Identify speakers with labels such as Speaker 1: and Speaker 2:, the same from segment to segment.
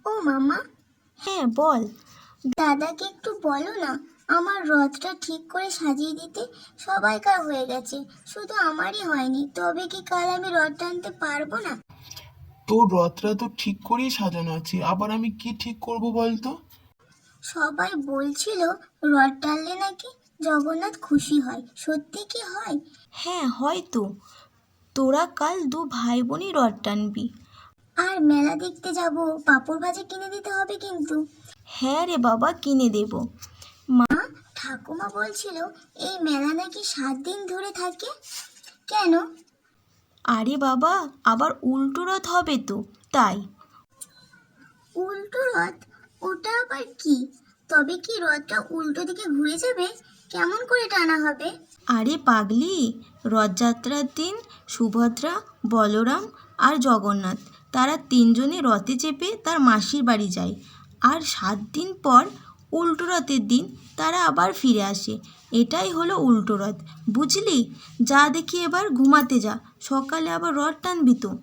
Speaker 1: ও মামা,
Speaker 2: হ্যাঁ বল।
Speaker 1: দাদাকে একটু বলো না আমার রথটা ঠিক করে সাজিয়ে দিতে। সবাইকার হয়ে গেছে, শুধু আমারই হয়নি। তবে কি কাল আমি রথ টানতে পারবো না?
Speaker 3: তোর রথটা তো ঠিক করেই সাজানো আছে, আবার আমি কি ঠিক করব বলতো?
Speaker 1: সবাই বলছিল রথ টানলে নাকি জগন্নাথ খুশি হয়। সত্যি কি হয়?
Speaker 2: হ্যাঁ হয়তো। তোরা কাল দু ভাই বোনই রথ টানবি।
Speaker 1: আর মেলা দেখতে যাব, পাঁপড় ভাজা কিনে দিতে হবে কিন্তু।
Speaker 2: হ্যাঁ রে বাবা, কিনে দেব।
Speaker 1: ঠাকুমা বলছিল এই মেলা নাকি 7 দিন ধরে থাকে। কেন?
Speaker 2: আরে বাবা, আবার উল্টো রথ হবে তো, তাই।
Speaker 1: উল্টো রথ? ওটা আবার কি? তবে কি রথটা উল্টো দিকে ঘুরে যাবে? কেমন করে টানা হবে?
Speaker 2: আরে পাগলি, রথযাত্রার দিন সুভদ্রা, বলরাম আর জগন্নাথ তারা তিনজনে রথে চেপে তার মাসির বাড়ি যায়। আর 7 দিন পর উল্টো রথের দিন তারা আবার ফিরে আসে। এটাই হলো উল্টো রথ, বুঝলি? যা দেখি এবার ঘুমাতে যা, সকালে আবার রথ টানবি তো।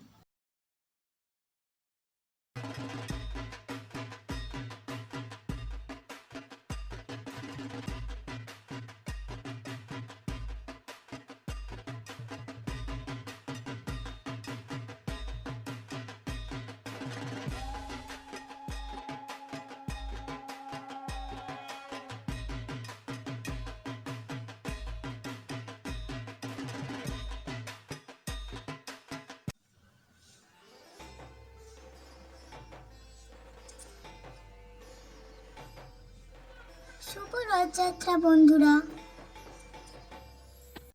Speaker 1: শুভ রথযাত্রা বন্ধুরা।